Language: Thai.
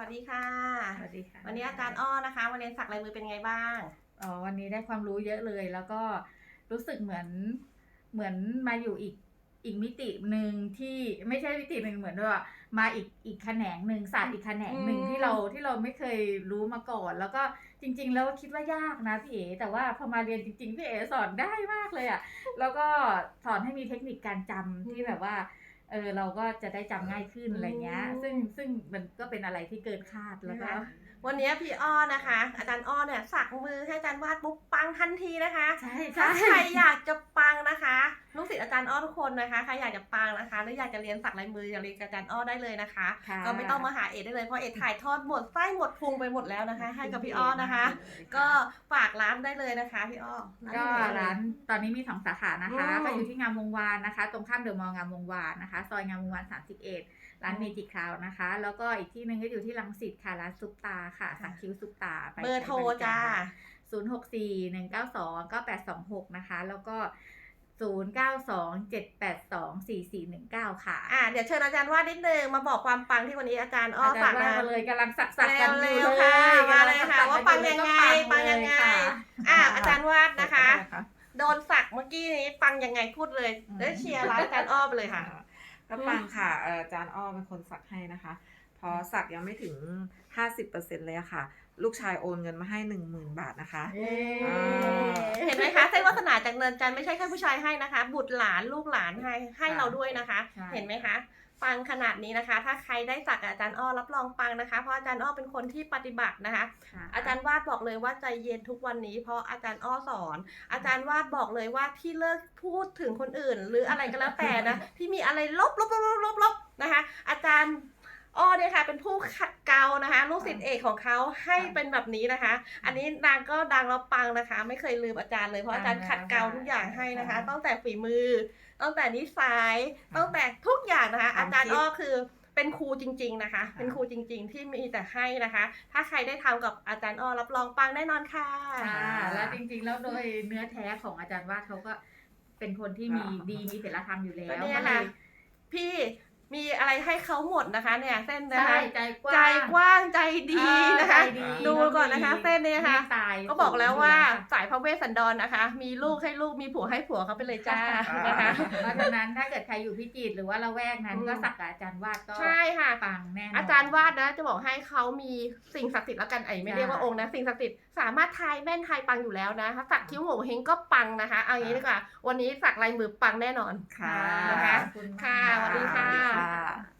วัสดีค่ะสวัสดีค่ะวันนี้อาจารย์อ้อนะคะมาเรียนสักลายมือเป็นไงบ้างวันนี้ได้ความรู้เยอะเลย แล้วก็รู้สึกเหมือนมาอยู่อีกมิติหนึ่งที่ไม่ใช่มิติหนึ่งเหมือนว่ามาอีกแขนงหนึ่งศาสตร์อีกแขนงหนึ่งที่เราไม่เคยรู้มาก่อน แล้วก็จริงๆแล้วคิดว่ายากนะพี่เอ๋แต่ว่าพอมาเรียนจริงๆพี่เอ๋สอนได้มากเลยอ่ะแล้วก็สอนให้มีเทคนิคการจำที่แบบว่าเราก็จะได้จำง่ายขึ้นอะไรเงี้ยซึ่งมันก็เป็นอะไรที่เกินคาดแล้วก็วันนี้พี่อ้อนะคะอาจารย์อ้อเนี่ยสักมือให้อาจารย์วาดปุ๊บปังทันทีนะคะใช่ถ้าใครอยากจะปังนะคะลูกศิษย์อาจารย์อ้อทุกคนนะคะใครอยากจะปังนะคะหรืออยากจะเรียนสักลายมืออยากเรียนกับอาจารย์อ้อได้เลยนะคะก็ไม่ต้องมาหาเอ็ดได้เลยเพราะเอ็ดถ่ายทอดหมดไส้หมดพุงไปหมดแล้วนะคะให้กับพี่อ้อนะคะก็ฝากร้านได้เลยนะคะพี่อ้อก็ร้านตอนนี้มี2 สาขานะคะก็อยู่ที่งามวงวานนะคะตรงข้ามเดอะมอลล์งามวงวานนะคะซอยงามวงวาน31ร้านเมจิคราวนะคะแล้วก็อีกที่นึงก็อยู่ที่รังสิตค่ะร้านซุปตาค่ะสักคิ้วซุปตาเบอร์โทรจ้า 0641929826นะคะแล้วก็0927824419ค่ะเดี๋ยวเชิญอาจารย์วาดนิดนึงมาบอกความปังที่วันนี้อาจารย์อ้อฝากมาเลยกำลังสักกันอยู่เลค่ะยมาเลยค่ะว่าปังยังไงอาจารย์วาดนะคะโดนสักเมื่อกี้นี้ปังยังไงพูดเลยได้เชียร์ร้านอาจารย์อ้อไปเลยค่ะก็ปังค่ะอาจารย์อ้อเป็นคนสักให้นะคะพอสักยังไม่ถึง 50% เลยอะค่ะลูกชายโอนเงินมาให้ 10,000 บาทนะคะเห็นไหมคะเส้นวาสนาจากเนินจันทร์ไม่ใช่แค่ผู้ชายให้นะคะบุตรหลานลูกหลานให้เราด้วยนะคะเห็นไหมคะปังขนาดนี้นะคะถ้าใครได้สักอาจารย์อ้อรับรองปังนะคะเพราะอาจารย์อ้อเป็นคนที่ปฏิบัตินะคะอาจารย์วาดบอกเลยว่าใจเย็นทุกวันนี้เพราะอาจารย์อ้อสอนอาจารย์วาดบอกเลยว่าที่เลิกพูดถึงคนอื่นหรืออะไรก็แล้วแต่นะที่มีอะไรลบนะคะอาจารย์อ้อเนี่ยค่ะเป็นผู้ขัดเกลานะคะลูกศิษย์เอกของเขาให้เป็นแบบนี้นะคะอันนี้นางก็ดังแล้วปังนะคะไม่เคยลืมอาจารย์เลยเพราะอาจารย์ขัดเกลาทุกอย่างให้นะคะตั้งแต่ฝีมือตั้งแต่นิสัยตั้งแต่ทุกอย่างนะคะอาจารย์อ้อคือเป็นครูจริงๆนะคะเป็นครูจริงๆที่มีแต่ให้นะคะถ้าใครได้ทำกับอาจารย์อ้อรับรองปังแน่นอนค่ะแล้วจริงๆแล้วโดยเนื้อแท้ของอาจารย์วาดเขาก็เป็นคนที่มีศีลธรรมอยู่แล้วเนี่ยค่ะพี่มีอะไรให้เขาหมดนะคะเนี่ยเส้นนะคะใจกว้างใจดีนะคะดูก่อนนะคะเส้นเนี่ยค่ะก็บอกแล้วว่าสายพระเวสสันดรนะคะมีลูกให้ลูกมีผัวให้ผัวเขาไปเลยจ้านะคะเพราะฉะนั้นถ้าเกิดใครอยู่พิจิตรหรือว่าละแวกนั้นก็สักกับอาจารย์วาดก็ใช่ค่ะปังแน่นอนอาจารย์วาดนะจะบอกให้เขามีสิ่งศักดิ์สิทธิ์แล้วกันไม่เรียกว่าองค์นะสิ่งศักดิ์สิทธิ์สามารถทายแม่นทายปังอยู่แล้วนะสักคิ้วโง่เฮงก็ปังนะคะเอาอย่างนี้ดีกว่าวันนี้สักลายมือปังแน่นอนค่ะนะคะค่ะสวัสดีค่ะ